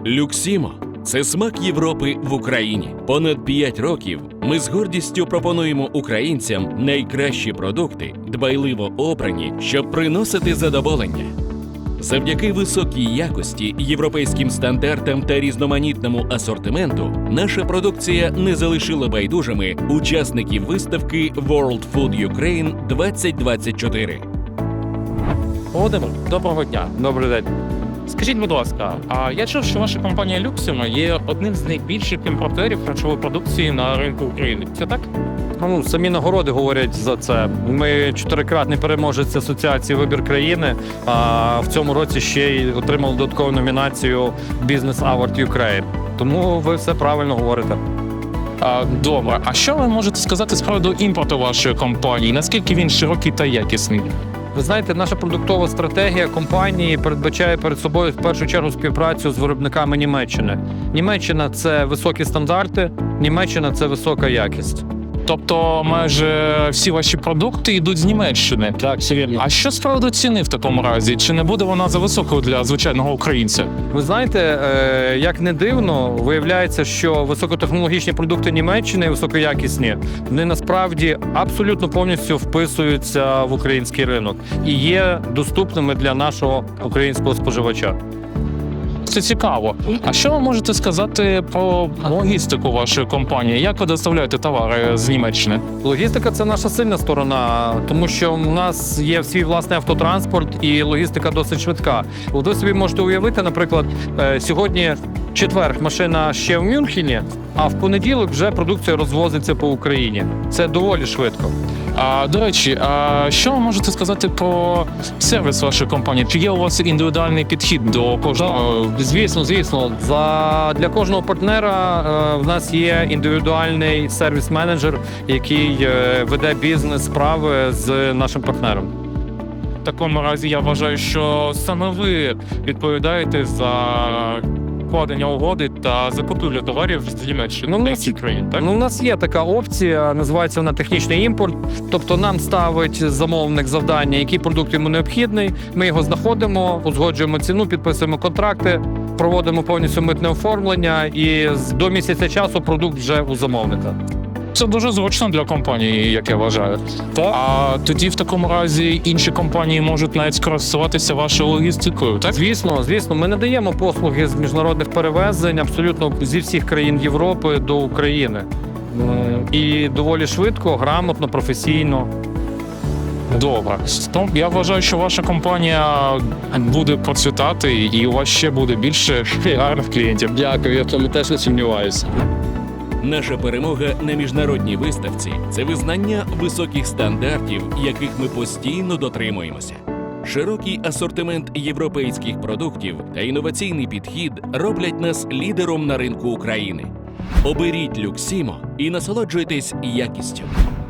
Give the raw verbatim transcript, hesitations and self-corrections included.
Люксімо – це смак Європи в Україні. Понад п'ять років ми з гордістю пропонуємо українцям найкращі продукти, дбайливо обрані, щоб приносити задоволення. Завдяки високій якості, європейським стандартам та різноманітному асортименту наша продукція не залишила байдужими учасників виставки World Food Ukraine двадцять двадцять чотири. Володимир, доброго дня. Добрий день. Скажіть, будь ласка, а я чув, що ваша компанія Люксімо є одним з найбільших імпортерів харчової продукції на ринку України. Це так? Ну, самі нагороди говорять за це. Ми чотирикратний переможець асоціації «Вибір країни», а в цьому році ще й отримали додаткову номінацію «Business Award Ukraine». Тому ви все правильно говорите. А, добре. А що ви можете сказати з приводу імпорту вашої компанії? Наскільки він широкий та якісний? Ви знаєте, наша продуктова стратегія компанії передбачає перед собою в першу чергу співпрацю з виробниками Німеччини. Німеччина – це високі стандарти, Німеччина – це висока якість. Тобто майже всі ваші продукти йдуть з Німеччини? Так, все вірно. А що з приводу ціни в такому разі? Чи не буде вона за високою для звичайного українця? Ви знаєте, е, як не дивно, виявляється, що високотехнологічні продукти Німеччини, високоякісні, вони насправді абсолютно повністю вписуються в український ринок і є доступними для нашого українського споживача. Це цікаво. А що ви можете сказати про логістику вашої компанії? Як ви доставляєте товари з Німеччини? Логістика – це наша сильна сторона, тому що в нас є свій власний автотранспорт і логістика досить швидка. Ви собі можете уявити, наприклад, сьогодні четвер машина ще в Мюнхені, а в понеділок вже продукція розвозиться по Україні. Це доволі швидко. А, до речі, а що ви можете сказати про сервіс вашої компанії? Чи є у вас індивідуальний підхід до кожного? Звісно, звісно. За, для кожного партнера е, в нас є індивідуальний сервіс-менеджер, який е, веде бізнес-справи з нашим партнером. В такому разі я вважаю, що саме ви відповідаєте за вкладення угоди та закупівлю товарів з Німеччини Ну, та у інших країн, так? Ну, у нас є така опція, називається вона технічний імпорт. Тобто нам ставить замовник завдання, який продукт йому необхідний. Ми його знаходимо, узгоджуємо ціну, підписуємо контракти, проводимо повністю митне оформлення і до місяця часу продукт вже у замовника. Це дуже зручно для компанії, як я вважаю. А тоді в такому разі інші компанії можуть навіть скористуватися вашою логістикою, так? Звісно, звісно, ми надаємо послуги з міжнародних перевезень абсолютно зі всіх країн Європи до України. І доволі швидко, грамотно, професійно. Добре. Ну, я вважаю, що ваша компанія буде процвітати і у вас ще буде більше гарних клієнтів. Дякую, я в цьому теж не сумніваюся. Наша перемога на міжнародній виставці – це визнання високих стандартів, яких ми постійно дотримуємося. Широкий асортимент європейських продуктів та інноваційний підхід роблять нас лідером на ринку України. Оберіть Люксімо і насолоджуйтесь якістю.